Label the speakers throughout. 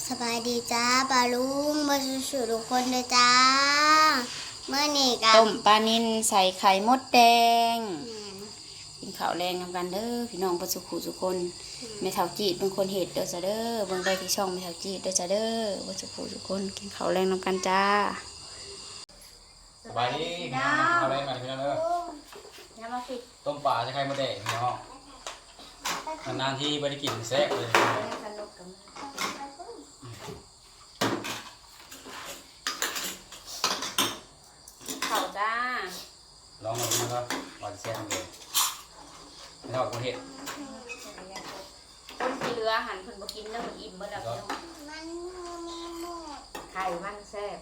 Speaker 1: สบายดีจ้าปลาลุงมาสู่ทุกคนเลยจ้าเมื่อนี่กัน
Speaker 2: ต้มปลานิลใส่ไข่มดแดงกินข้าวแรงนำกันเด้อพี่น้องประสุขุทุกคนแม่เฒ่าจีดเป็นคนเห็ดเด้อจ้าเด้อเบิ่งได้ที่ช่องแม่เฒ่าจีดเด้อจ้าเด้อประสุขุทุกคนกินข้าวแรงนำกันจ้า
Speaker 3: สบายดีพี่น้องเอาอะไรมาพี่น้องเด้อ
Speaker 2: อย่ามาสิ
Speaker 3: ต้มปลาใช้ไข่มดแดงพี่น้องนานๆที่ไม่ได้กินแซ่บเลย
Speaker 2: ข้าวจ้า
Speaker 3: ลองมาพี่น้องก็หวานแซ่บเลยไม่เท่ากับคนเห็ด
Speaker 2: คนที่เรือหันเพิ่นบ่กินแล้วเพิ่นอิ่มเบิดแล้วพี่น้อง
Speaker 1: มันมีหมด
Speaker 2: ไข่มันแซ่บ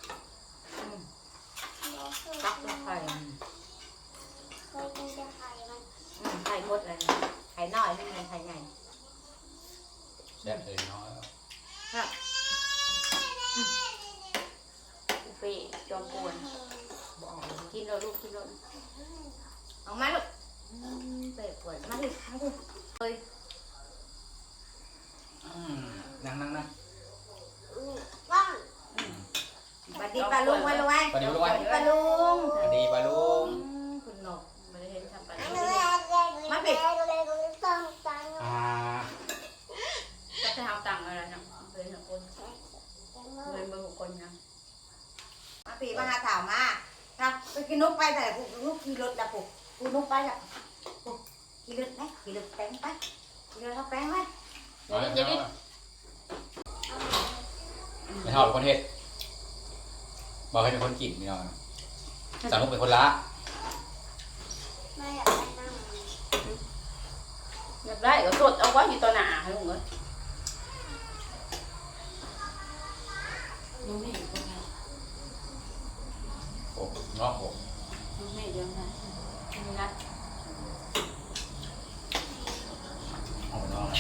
Speaker 2: ตักด้วยไข่
Speaker 1: เคยกินแต่ไข่มัน
Speaker 2: ไข่มดอะไรไข่น้อยไม่ใช่ไข่ใหญ่
Speaker 3: แซ่บเลยพี่น้อง
Speaker 2: ครับอุเป้จอมปวนบอกกินแล้วลูกกินแล้วเอามาลูกเป้ปวดมาดิมาดิเลย
Speaker 3: นั่งนั่งนั่ง
Speaker 1: ว่าง
Speaker 2: สวัสดีปลาลุงไว้ลูกไว้
Speaker 3: สวัสดีลูกไว้
Speaker 2: ปลาลุง
Speaker 3: สวัสดีปลาลุง
Speaker 2: คุณหนกไม่ได้เห็นทำปลา
Speaker 1: อัน
Speaker 2: ลุ
Speaker 1: นี้
Speaker 2: ง
Speaker 1: มาปิดเลยต้องตัง
Speaker 2: ก็จะเอาตังค์อะไรนะเป็นหนึ่งคนเงินเบอร์คนนะมาปีมาหาถามมาครับไปกินนกไปแต่ลูกขี่รถละปุ๊บกูนกไปละปุ๊บขี่รถไหมขี่รถแป้งไปขี่รถเขาแป้งไหม
Speaker 3: เอาเลยพี่น้องไม่เท่ากับคนเห็ดบอกให้เป็นคนกินพี่น้องสาวนุกเป็นคนละ
Speaker 1: ไม่อยากได้นั่ง
Speaker 2: อยากได้ก็สดเอาไว้อยู่ตัวหนาให้ลุงเลยลุงไม่อยู่ตรงไหน
Speaker 3: โอ้งอกผม
Speaker 2: ลุงไม่เยอะนะนี่นะ
Speaker 3: เอาไปน้อง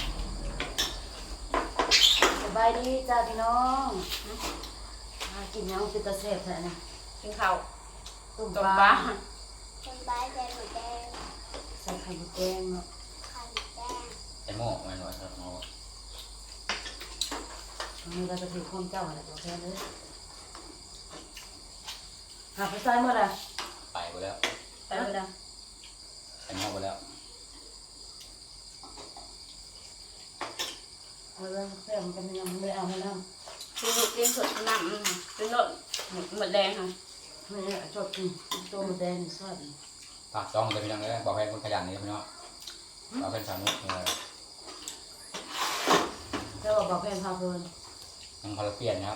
Speaker 4: สบายดีจ้าพี่น้องกินยังเป็นตะเสพแท้นะ
Speaker 2: กินข้าว
Speaker 4: ต้ม
Speaker 2: ต้ม
Speaker 4: ป
Speaker 2: ป
Speaker 4: ลา
Speaker 2: ลา
Speaker 1: คนบ้าใจหมูแดง
Speaker 4: ใส่ไข่มดแดงเนาะ
Speaker 1: ไข่แดง
Speaker 3: ไอ้โม่ไม่หน่อยครับเอา
Speaker 4: อันนี้เราจะถือข้อมเจ้าอะไรตัวแค่เลยหาไปใส่เมื่อไร
Speaker 3: ไปหมดแล้ว
Speaker 2: ไปเลยนะ
Speaker 3: ไอ้โม่หมดแล้ว
Speaker 4: เอาเรื่องแซ่บมันยังไม่เอาให้น้ำ
Speaker 2: กินลูกกินสดน้ำกินรสหมดแดงค่ะ
Speaker 4: ไม่ได้ชอบกินตัวมดแดงซอส
Speaker 3: ฝากจ้องเลยพี่น้องเลยบอกให้คนขยันนี่พี่น้องเราเป็นสาวนุก
Speaker 4: แล้วก็บอกเพลงพาเพลิน
Speaker 3: ยังพอเราเปลี่ยนนะครับ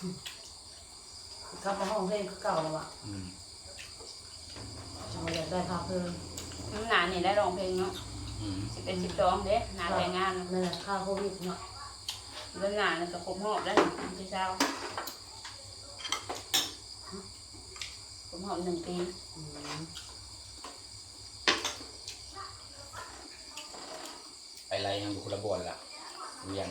Speaker 4: กลับมาห้องเพลงเก่าแล้วอ่ะ
Speaker 3: อืม
Speaker 4: จังอยากได้พาเพลิน
Speaker 2: น้ำหนานี่ได้ร้องเพลงเนาะ
Speaker 3: อืม
Speaker 2: 11 12เด้หนาแต่งงาน
Speaker 4: นั่นแหละค่าโควิดเนาะ
Speaker 2: เรื่องหนาเนี่ยก็ครบหอบแล้วที่เช้าครบหอบ1 ปี
Speaker 4: อืม
Speaker 3: ไปไรยังอยู่คนละบนล่ะเรียง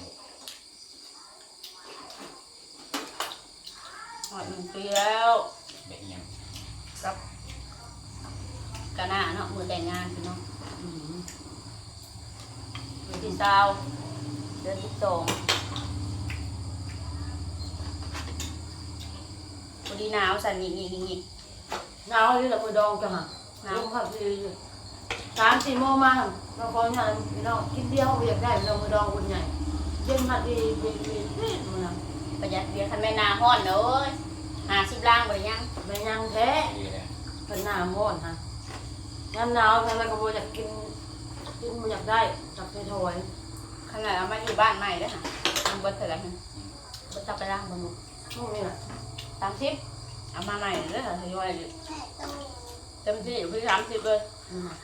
Speaker 2: หอบ1 ปีแล้ว
Speaker 3: เด็กยัง
Speaker 2: กับกะหน้าเนาะมือแต่งงานพี่น้อง
Speaker 4: อืม
Speaker 2: มือที่เช้าเดือน12พอดีหนาวสั่นหงิก
Speaker 4: หนาวนี่แหละมือดองจังอ่ะ
Speaker 2: หนาว
Speaker 4: ลมพัดดี3-4 โมงมาเราของานพี่น้องกินเดียวอยากได้พี่น้องมือดองคนใหญ่เย็นพัดดีนี่มันนะ
Speaker 2: ประหยัดเบียร์คันแม่นาฮ้อนเด้อ50ล้างบ่ได้ยัง
Speaker 4: แม่ยังแท้
Speaker 3: ดีเลย
Speaker 4: เป็นหน้าม้อนฮะยามหนาวทำไมก็บ่อยากกินบ่อยากได้จับไปถอย
Speaker 2: ขนาดเอามาอยู่บ้านใหม่เด้อค่ะมันบ่เท่าไหร่ค่ะบ่จับไปล้างบ่ลูก
Speaker 4: พวกนี้แหละ
Speaker 2: 30เอามาใหม่เด้อค่ะทยอยอยู่
Speaker 1: แม่ต้องมี
Speaker 2: เต็มที่อยู่ที่30เลย
Speaker 4: อืม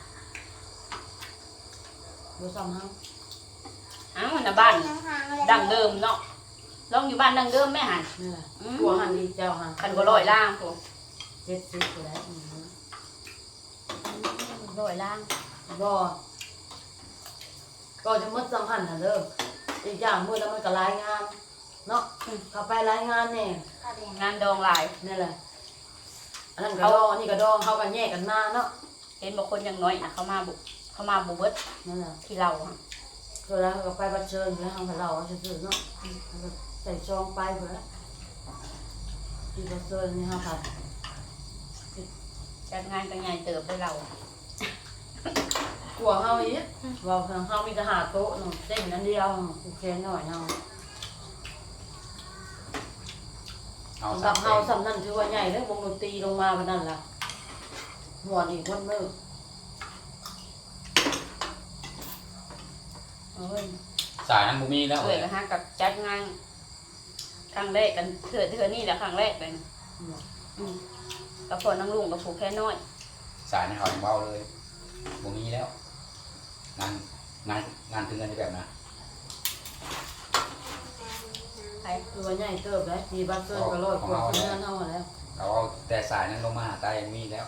Speaker 4: บ่ซ้ำเฮา
Speaker 2: อ้าวน่ะบ้าน
Speaker 1: ยังห่างเลย
Speaker 2: ดั้งเดิมเนาะลองอยู่บ้านดั้งเดิมแม่หัน
Speaker 4: นี่แหละตัวหันดีเจ้าหัน
Speaker 2: คันก็ร้อยล่างโต
Speaker 4: 70ก็ได้
Speaker 2: ร้อยล่าง
Speaker 4: บ่ก็จะหมด2,000น่ะเด้ออีกอย่างมื้อแล้วมันก็รายงานเนาะเข้าไปรายงานแน่
Speaker 1: ข้าวแดง
Speaker 2: งานดองหลาย
Speaker 4: นี่แหละอันนั้นก็ดองอันนี้ก็ดองเฮาก็แยกกันมาเนาะ
Speaker 2: เห็นบอกคนยังน้อยนะเขามาบุเบิด
Speaker 4: นั่นแหละ
Speaker 2: ที่เราอะ
Speaker 4: ก็แล้วก็ไปบัดเชิญแล้วทางเราจะซื้อเนาะใส่ซองไปหมดแล้วที่บัดเชิญนี่ฮะผัด
Speaker 2: จัดงานกันใหญ่เติบไปเรา
Speaker 4: กลัวเฮาอีกว่าเฮามีแต่หาโต๊ะหนึ่งเต้นนั้นเดียวกูแค่หน่อยเฮา
Speaker 3: เอา
Speaker 4: สำหรับ
Speaker 3: 3
Speaker 4: เฮาสำนั่นถือว่าใหญ่เลยวงดนตรีลงมาวันนั้นล่ะหัวอีกคนมือ
Speaker 2: เอ้ย
Speaker 3: สายนั้นบ่มีแล้ว
Speaker 2: เอ้ยนะฮะกับจัดงานครั้งแรกกันเถื่อนี่แหละครั้งแรกเลยนะกับพอนั่งลุงกับผูกแค่น้อย
Speaker 3: สายในเขาเบาเลยบ่มีแล้วงานงานถึงกันแบบนั้น
Speaker 2: ไป
Speaker 4: คือว่าใหญ่เติบได้ตีบัดเชิญก็ร้อยกว่าคนนั้นเฮาแล้ว
Speaker 3: เขาเอาแต่สายนั้นลงมาหาใต้มีแล้ว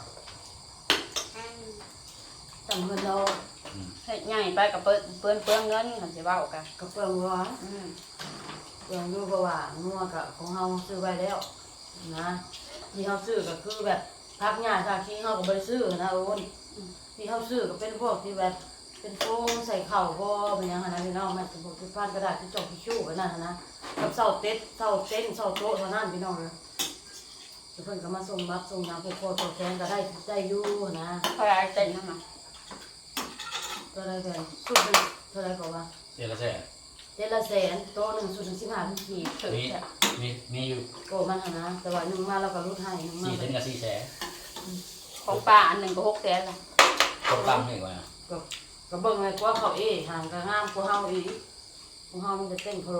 Speaker 4: จำเงินเรา
Speaker 2: เฮ็ดใหญ่ไปกับเปิ้นเงินคันสิเว้ากัน
Speaker 4: ก็เปลืองร้อนเปลืองอยู่เพราะว่างัวกับของเฮาซื้อไว้แล้วนะที่เฮาซื้อก็คือแบบพักหญ้าซาขี้เฮาก็บ่ได้ซื้อนะโอนที่เฮาซื้อก็เป็นพวกที่แบบเป็นโฟมใส่ข้าวบ่เป็นหยังหั่นนะพี่น้องมันเป็นพวกที่พานกระดาษที่จอกทิชชู่กันนั่นนะกับเสาเต็นเสาโต๊ะเท่านั้นพี่น้องเลยเพิ่นก็มาส่งรับส่งหยังพวกพ่อตัวแทนก็ได้อยู่นะ
Speaker 2: เท่าไรเต้นนั่นน่ะ
Speaker 4: ก็ได้กันสุดเป็นเท่าไหร่ก็ว่า
Speaker 3: เดี๋ยวละแสน
Speaker 4: เดือนละแสนโต๊ะหนึ่งสุดถึง15ขีด
Speaker 2: ถือ
Speaker 3: มี
Speaker 2: แค่
Speaker 3: มีอยู่
Speaker 4: โกมันหั่นนะแต่ว่าหนึ่งมาเราก็ลดให้หนึ่งมา
Speaker 3: 4เส้นกับ4แสน
Speaker 2: ของป้าอันหนึงก็6แสนละ
Speaker 3: คนตั้งนี่ก่อนนะ
Speaker 4: ก็เบิ่งเลยกว่าเขาห่างก็งามกว่าเฮาอีกของเฮามันจะเต้นโคโร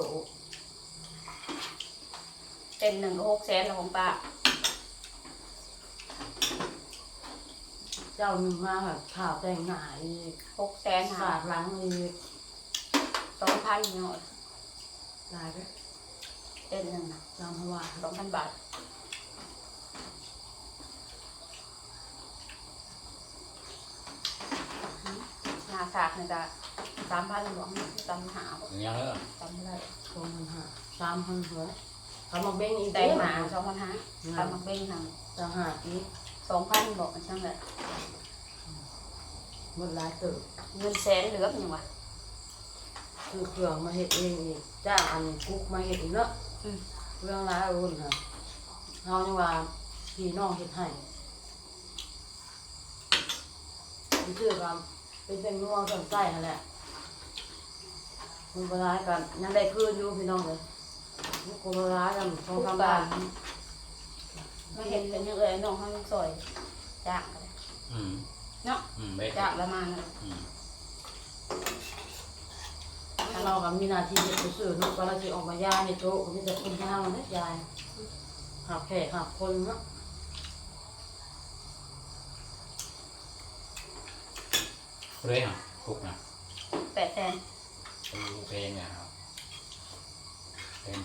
Speaker 2: เต้นหนึ่งก็6แสนละของป้า
Speaker 4: เจ้าหนึ่งมาแบบข่าวแต่งหน้าอีก
Speaker 2: 6แสน
Speaker 4: สาดหลังอีก
Speaker 2: 2,000เนาะ
Speaker 4: ตายไป
Speaker 2: เต้นหนึ่งน่ะ
Speaker 4: ตามเพราะว่า
Speaker 2: 2,000 บาทหน้าสากนี่ก็3,000หลวง3,500
Speaker 3: อย่างนี้แล้ว
Speaker 2: จำไม่ได้
Speaker 4: 2,500 3,000หัวเขามาเบ้งอีก
Speaker 2: ได้
Speaker 4: เด้
Speaker 2: หมา2,500ทำมักเบ้งทาง
Speaker 4: ต่างหากอีก
Speaker 2: 2,000บอกมันช่างเลย
Speaker 4: หมดหลายเติบ
Speaker 2: เงินแสนเหลือยังวะ
Speaker 4: คือเครื่องมาเฮ็ดเองอีกจ้างอันกุ๊กมาเฮ็ดอีกเนาะเรื่องหลายรุ่นค่ะเฮายังว่าพี่น้องเฮ็ดให้ชื่อว่าเป็นนัวสนใจนั่นแหละมันบ่ร้ายกันยังได้คืนอยู่พี่น้องเลยมันก็บ่ร้ายกันสองสามบาท
Speaker 2: ไม่เห็นเป็นยังไงน้องเขายังซอยจากกันเลย เนาะ
Speaker 3: เบ็ด
Speaker 2: จากละมาเลย
Speaker 4: เราก็มีหน้าที่เฮ็ดซื่อๆเนาะก็เราสิออกมาย่าในโต๊ะก็มีแต่คนย่างเนาะยายหาแขกหาคนเนาะ
Speaker 3: เรื่อยครับทุกนะ
Speaker 2: 8แสน
Speaker 3: เพลงเนี่ยครับเป็น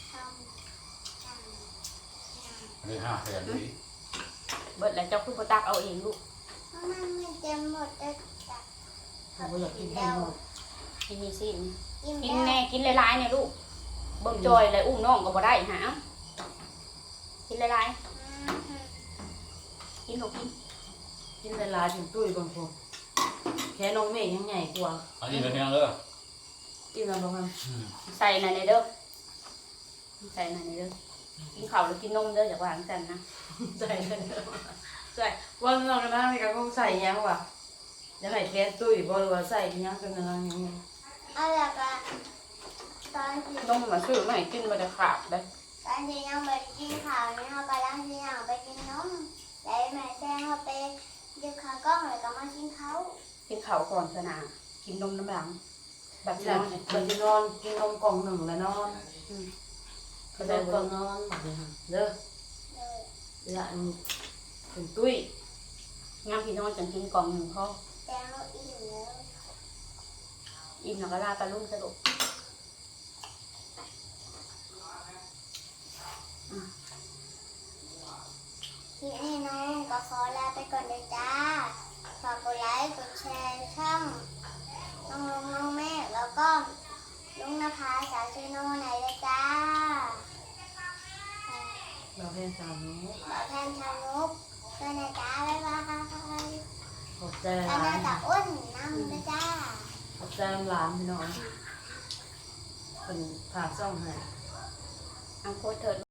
Speaker 3: เรื่อง5 แสนดี
Speaker 2: เบิดแล้วเจ้าคุณพ่อตักเอาเองลูก
Speaker 1: มันไม่เต็มหมดเลยจ้ะ
Speaker 4: เราบ่อยากกินให้หมด
Speaker 2: กินมีสิ
Speaker 1: กิน
Speaker 2: กิน
Speaker 1: แล้ว
Speaker 2: แน่กินหลายๆเนี่ยลูกเบิ่งจอยเลยอุ้มน้องก็บ่ได้หากินหลายๆกินลูกกิน
Speaker 4: กินหลายๆถึงตุ้ยบางคนแค่น้องเมฆยังใหญ่กว่า
Speaker 3: อันนี้เป็นยังเลิก
Speaker 4: กินแล้วบ่ครับ
Speaker 2: ใส่ในเด้อใส่ในเด้อกินข้าวหรือกินนมเด้ออย่าวางกันนะ
Speaker 4: ใส่เลยใส่ว่าน้องกันนะมีการคงใส่ยังวะยังไงแค่ตุ้ยบ่หรือว่าใส่ยังกันอะไรยังไง
Speaker 1: เอาละก็ตอนที่
Speaker 2: นมมาซื้อมาให้กินมาจะขาดเลย
Speaker 1: ตอนที่ยังไม่ได้กินข้าวเนี่ยเขากำลังที่ยังไปกินนมแล้วแม่แจ้งเขาไปดึกขากล้องเลยก็มากินเขา
Speaker 2: กินข้าวก่อนสนากินนมน้ำหลังแบบ
Speaker 4: หลั
Speaker 2: นั้
Speaker 4: ง
Speaker 2: น
Speaker 4: มันจะนอนกินนมกล่องหนึ่งแล้วนอนก็ได้ก่อนนอนเด้อ
Speaker 1: เลย
Speaker 4: หลังเป็นตุ้ย
Speaker 2: งามพี่นอนจังกินกล่องหนึ่งพ่อ
Speaker 1: แจ้งเขาอิ่มแล้ว
Speaker 2: อิ่มแล้วก็ลาปลาลุ่มสรุป
Speaker 1: คลิปนี้น้องก็ขอลาไปก่อนเลยจ้าฝากกดไลค์กดแชร์ช่องน้องลุงน้องแม่แล้วก็ลุงนภาสาวชื่อน้องไหนเลยจ้า
Speaker 4: เราเพียงสามนี้
Speaker 1: บอกแทนชาวนุกด้วยนะจ้าบ๊ายบาย
Speaker 4: ขอบใจ
Speaker 1: แล้ว
Speaker 4: หลา
Speaker 1: น่าย จะอ้วนน้ำด้วยจ้า
Speaker 4: จขอบใจหลานพี่น้องเป็นผากซ่องให้
Speaker 2: เอาโคตรเถิด